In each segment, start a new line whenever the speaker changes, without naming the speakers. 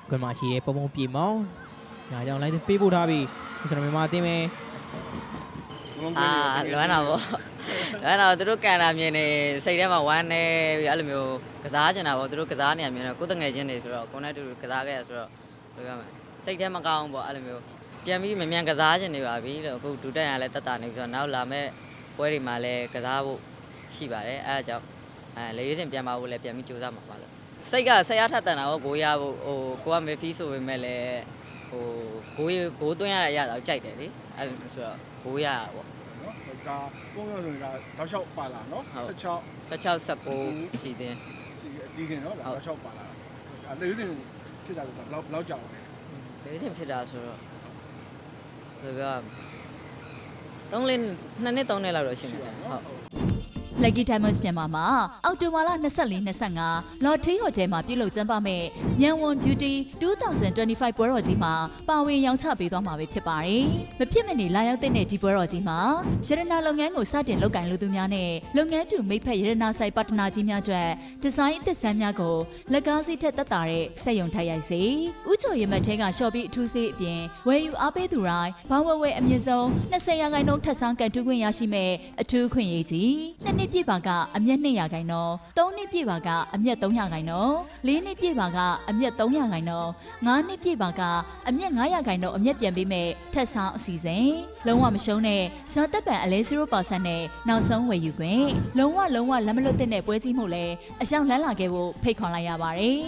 ကွန်မာရှိရဲ့ပုံပုံပြေမောင်းညာကြောင့်လိုက်ပေးပို့ထားပြီးကျွန်တော်မြန်မာအသင်းပဲ
လွမ်းတာပေါ့လွမ်းတာသူတို့ကန်တာမြင်နေစိတ်ထဲမှာဝမ်းနေပြီးအဲ့လိုမျိုးကစားချင်တာပေါ့သူတို့ကစားနေရမြင်တော့ကိုယ်တငယ်ချင်းတွေဆိုတော့ကိုယ်နဲ့တူကစားခဲ့ရဆိုတော့ဘယ်လိုရမလဲစိတ်ထဲမကောင်းဘူးပေါ့အဲ့လိုမျိုးပြန်ပြီးမြန်ကစားချင်နေပါပြီလို့အခုဒူတက်ရလဲတက်တာနေပြီးတော့နောက်လာမဲ့ပွဲတွေမှာလည်းကစားဖို့ရှိပါတယ်အဲ့ဒါကြောင့်လေရွေးစင်ပြန်ပါဖို့လည်းပြန်ပြီးကြိုးစားမှာပါလို့စိတ်ကဆက်ရထက်တန်တာပေါ့ကိုရဖို့ဟိုကိုကမေဖီဆိုပေမဲ့လည်းဟိုကိုသွင်းရတဲ့အရာတော့ကြိုက်တယ်လေအဲ့လိုဆိုတော့ကိုရတာပေါ့
ဒါပုံရဆိုရင်ဒါတောက်လျှောက်ပါလာနော်
16 19ရှိသေး
အကြီးခင်နော်ဒါတောက်လျှောက်ပါလာဒါလေရင်ဖြစ်တာကဘယ်လောက်ကြာလဲ
လေရင်ဖြစ်တာဆိုတော့ဘယ်ပြော2နှစ်3နှစ်လောက်တော့ရှိမှာဟုတ်
Lucky Diamonds မြန်မာမှာအောက်တိုဘာလ24-25 Lottery Hotel မှာပြုလုပ်ကျင်းပမဲ့ညံဝန် Beauty 2025 ပွဲတော်ကြီးမှာပါဝင်ရောင်းချပေးသွားမှာပဲဖြစ်ပါတယ်။မဖြစ်မနေလာရောက်တဲ့ဒီပွဲတော်ကြီးမှာရတနာလုပ်ငန်းကိုစတင်လုပ်ကိုင်လူသူများနဲ့လုပ်ငန်းတူမိတ်ဖက်ရတနာဆိုင်ပါတနာကြီးများအတွက်ဒီဇိုင်းအသစ်ဆန်းများကိုလက်ကားစီးထက်သက်သာတဲ့စက်ရုံထိုက်ရိုက်စေ။ဥချိုရမတ်ထဲကရှော့ပြီးအထူးစေးအပြင်ဝယ်ယူအားပေးသူတိုင်းဘောင်းဝဲအမြင့်ဆုံး20%ထပ်ဆောင်ကန်တူးခွင့်ရရှိမဲ့အထူးခွင့်ရေးကြီး2နှစ်ပြည့်ပါကအမျက်200%ခိုင်နှုန်း3နှစ်ပြည့်ပါကအမျက်300ခိုင်နှုန်း4နှစ်ပြည့်ပါကအမျက်300ခိုင်နှုန်း5နှစ်ပြည့်ပါကအမျက်900ခိုင်နှုန်းအမျက်ပြန်ပေးမဲ့ထက်ဆောင်အစီအစဉ်လုံးဝမရှုံးတဲ့ဇာတက်ပံအလဲ 0% နဲ့နောက်ဆုံးဝယ်ယူခွင့်လုံးဝလက်မလွတ်တဲ့ပွဲစည်းမှုလည်းအရှောင်းလန်းလာခဲ့ဖို့ဖိတ်ခေါ်လိုက်ရပါတယ်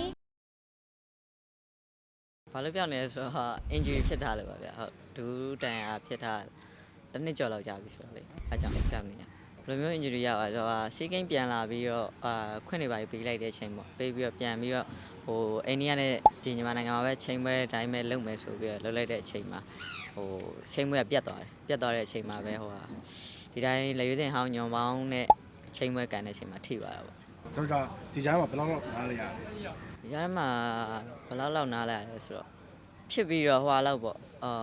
ဘာလို့ပြောနေလဲဆိုတော့ injury ဖြစ်ထားလို့ပါဗျဟုတ်ဒူးတန်အားဖြစ်ထားတစ်နှစ်ကျော်လောက်ကြာပြီဆိုတော့လေအားကြောင့်ပြောင်းနေရဘယ်လိုမျိုး injury ရပါဆိုတော့စီးကိန်းပြန်လာပြီးတော့ခွင့်နေပါပေးလိုက်တဲ့အချိန်ပေါ့ပေးပြီးတော့ပြန်ပြီးတော့ဟိုအိန္ဒိယနဲ့ဒီမြန်မာနိုင်ငံမှာပဲချိန်ပွဲအတိုင်းပဲလုပ်မယ်ဆိုပြီးတော့လုပ်လိုက်တဲ့အချိန်မှာဟိုချိန်ပွဲကပြတ်သွားတဲ့အချိန်မှာပဲဟိုဟာဒီတိုင်းလေရွေးစင်ဟောင်းညွန်ပေါင်းနဲ့ချိန်ပွဲကန်တဲ့အချိန်မှာထိသွားတာပေါ့
ကျွန်တော်ဒီကြားမှာဘယ်လောက်နားလဲရ
ဒီကြားမှာဘယ်လောက်နားလဲရလဲဆိုတော့ဖြစ်ပြီးတော့ဟွာလောက်ပေါ့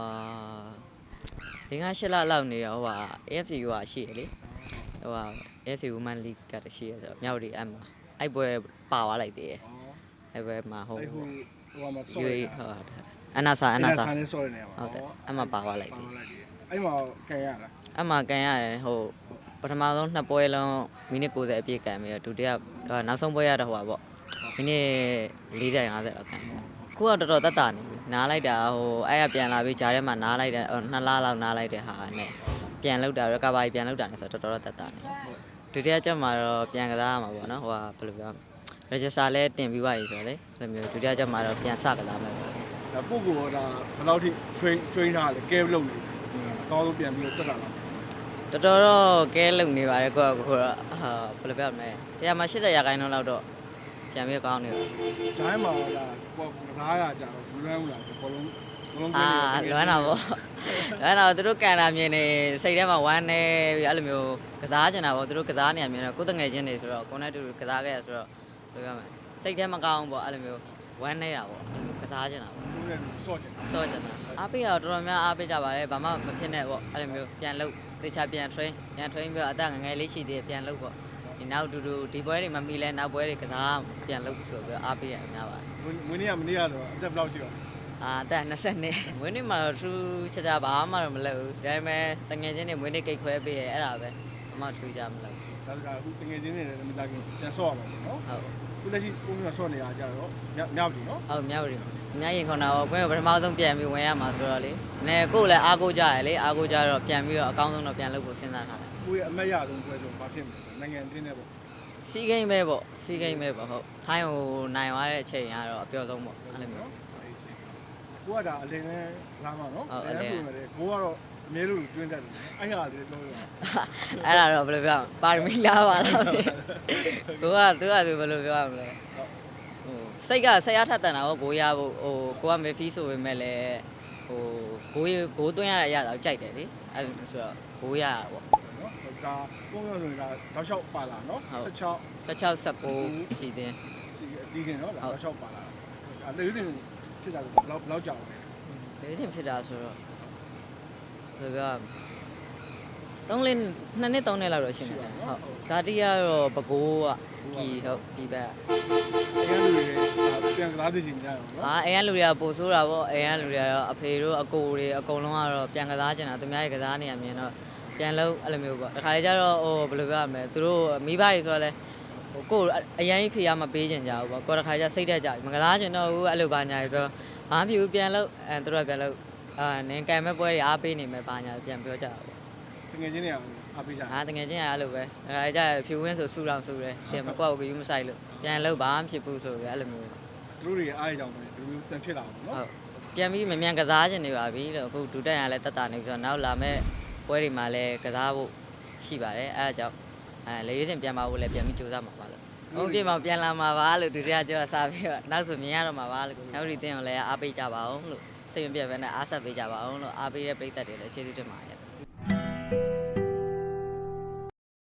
5-8လလောက်နေတော့ဟိုဟာ AFC ကရှိရလေဟိုဟာ AFC Women League ကတရှိရဆိုတော့မြောက်ဒီအဲ့မှာအဲ့ပွဲပါသွားလိုက်သေးတယ်အဲ့ပွဲမှာဟို
မှာဆော့ရ
အနာစာ
နဲ့ဆော့ရနေပါ
ဟုတ်တယ်အဲ့မှာပါသွားလိုက်သေး
အဲ့မှာကန်ရလား
အဲ့မှာကန်ရတယ်ဟိုပထမဆုံး2ပွဲလုံးမိနစ်90အပြည့်ကန်ပြီးတော့ဒုတိယနောက်ဆုံးပွဲရတော့ဟိုပါပေါ့မိနစ်40 50လောက်ကန်ခုကတော်တော်တက်တာနေပြီနားလိုက်တာဟိုအဲ့ရပြန်လာပြီးဂျားထဲမှာနားလိုက်တယ်2လလောက်နားလိုက်တဲ့ဟာနဲ့ပြန်လောက်တာ recovery ပြန်လောက်တာနေဆိုတော့တော်တော်တက်တာနေဒုတိယချက်မှာတော့ပြန်ကစားရမှာပေါ့နော်ဟိုကဘယ်လိုပြော register လဲတင်ပြီးသွားပြီဆိုတော့လေအဲ့လိုမျိုးဒုတိယချက်မှာတော့ပြန်စကစားမယ်ပေါ့
ဒါပုဂ္ဂိုလ်ကဒါဘယ်လောက်ထိ train ထားလဲ care လုပ်နေအကောင်းဆုံးပြန်ပြီးတော့တက်လာ
တော်တော့ကဲလုံနေပါတယ်ကိုကကိုတော့ဘယ်လိုပြောမလဲတရားမှာ80%လောက်တော့ပြန်ပြီးကောင်းနေပါ
ဂျိုင်းမှာဒါကို900ကြာတော့ဘူးလွမ်းဘူးလားဘလုံး
လွမ်းတာပေါ့လွမ်းတာသူတို့ကန်တာမြင်နေစိတ်ထဲမှာဝမ်းနေပြီးအဲ့လိုမျိုးကစားချင်တာပေါ့သူတို့ကစားနေရမြင်တော့ကိုယ်တငယ်ချင်းတွေဆိုတော့ကိုယ်နဲ့တူကစားခဲ့ရဆိုတော့ဘယ်လိုပြောမလဲစိတ်ထဲမကောင်းဘူးပေါ့အဲ့လိုမျိုးဝမ်းနေတာပေါ့ကစားချင်တာပေါ့
ဆော့ချင်
တာအားပေးတော့တော်တော်များအားပေးကြပါတယ်ဘာမှမဖြစ်နဲ့ပေါ့အဲ့လိုမျိုးပြန်လုပ်သေချာပြန် train ပြီးတော့အသက်ငယ်လေးရှိသေးပြန်လုပ်ပေါ့ဒီနောက်ဒီပွဲတွေမမီလဲနောက်ပွဲတွေကစားပြန်လုပ်ဆိုပြီးအားပေးရများပါတယ်
မင်းနေ့ကမနေ့ကတော့အသက်ဘယ်လောက်ရှိတော့
အသက်20နှစ်မွေးနေ့မှာတော့သူချာဘာမှတော့မလုပ်ဘူးဒါပေမဲ့တငယ်ချင်းတွေမွေးနေ့ကိတ်ခွဲပေးရဲအဲ့ဒါပဲအမှထူးကြမလို့
ဒါကအခုတငယ်ချင်းတွေလည်းမလာခင်ပြန်ဆော့ရမှာနော်
ဟုတ်
ခုလက်ရှိပုံမှန်ဆော့နေရကြတော့မြောက်ပြီနော်
ဟုတ်မြောက်ပြီအများရင်ခေါ်တာပေါ့ကိုယ်ကပထမဆုံးပြန်ပြီးဝင်ရမှာဆိုတော့လေနည်းကိုယ်လည်းအားကိုးကြရလေအားကိုးကြတော့ပြန်ပြီးတော့အကောင်းဆုံးတော့ပြန်လုပ်ဖို့စဉ်းစားထားတယ်
ကိုယ့်ရဲ့အမတ်ရဆုံးပွဲဆိုဘာဖြစ်မလဲနိုင်ငံအသင်းနဲ့ပေါ့
စီးကိန်းပဲပေါ့ဟုတ်ထိုင်းကိုနိုင်သွားတဲ့အချိန်ကတော့အပြောဆုံးပေါ့အဲ့လိုမျိုး
ကိုကဒါအလင်းနဲ့လာမှာနော်အလင်းဆိုမယ်ကိုကတော့အမြဲလို့တွင်းတတ်တယ်အဲ့ဟာလေးပြောရ
အဲ့ဒါတော့ဘယ်လိုပြောပါရမီလာပါလားကိုကသူဘယ်လိုပြောရမလဲဟိုစိတ်ကဆက်ရထက်တန်တာပေါ့ကိုရဖို့ဟိုကိုကမေဖီဆိုပေမဲ့လည်းဟိုကိုသွင်းရတဲ့အရာတော့ကြိုက်တယ်လေအဲ့လိုဆိုတော့ကိုရတာပေါ့
နော်ဒါပုံရဆိုရင်ဒါတောက်လျှောက်ပါလာနော်
16 19ရှိသေး
အကြီးခင်နော်ဒါတောက်လျှောက်ပါလာဒါလေရင်ဖြစ်တာကဘယ်လောက်ကြာလဲ
လေရင်ဖြစ်တာဆိုတော့ဘယ်လိုပြော2နှစ်3နှစ်လောက်တော့ရှိမှာဟုတ်ဇာတိကတော့ပကိုးကပြီဟုတ်ပြီပဲ
အဲ့လိုတွေပြန်ကစားသိချင်ကြရအောင်နော်
အိမ်ကလူတွေကပို့ဆိုးတာပေါ့အိမ်ကလူတွေကတော့အဖေတို့အကိုတွေအကုန်လုံးကတော့ပြန်ကစားချင်တာသူများရဲ့ကစားနေရမြင်တော့ပြန်လို့အဲ့လိုမျိုးပေါ့တခါလေကျတော့ဟိုဘယ်လိုပြောရမလဲသူတို့မိဘတွေဆိုတော့လဲဟိုကိုအရင်ဖေးရမပေးချင်ကြဘူးပေါ့ကိုတခါကျစိတ်တက်ကြပြီမကစားချင်တော့ဘူးအဲ့လိုပါညာဆိုတော့ဘာမှမဖြစ်ဘူးပြန်လို့သူတို့ကပြန်လို့နင်ကံမဲ့ပွဲတွေအားပေးနေမယ်ပါညာပြန်ပြောကြတာပေါ့
တကယ်ချင်းတွေအားပေးကြတယ်
တကယ်ချင်းအဲ့လိုပဲဒါကြဖြူဝင်းဆိုဆူတောင်ဆူတယ်ပြန်မကွက်ဘူးကယူမဆိုင်လို့ပြန်လို့ဘာမှဖြစ်ဘူးဆိုပြီးအဲ့လိုမျိုး
သူတို့တွေအားရကြောင်ပဲဒီလိုပြန်ဖြစ်လာအောင်နော်
ဟုတ်ပြန်ပြီးမြန်ကစားခြင်းနေပါပြီလို့အခုဒူတက်ရလဲတက်တာနေပြီးတော့နောက်လာမဲ့ပွဲတွေမှာလည်းကစားဖို့ရှိပါတယ်အဲအကြောင်းလေရွေးစင်ပြန်ပါဖို့လည်းပြန်ပြီးကြိုးစားမှာပါလို့ဟုတ်ပြီမပြန်လာမှာပါလို့ဒူတက်ကြောစားပြီးတော့နောက်ဆိုမြင်ရတော့မှာပါလို့နောက်ဒီတင်းကိုလည်းအားပေးကြပါအောင်လို့စိတ်မပြတ်ပဲနဲ့အားဆက်ပေးကြပါအောင်လို့အားပေးတဲ့ပရိသတ်တွေလည်းကျေးဇူးတင်ပါတယ်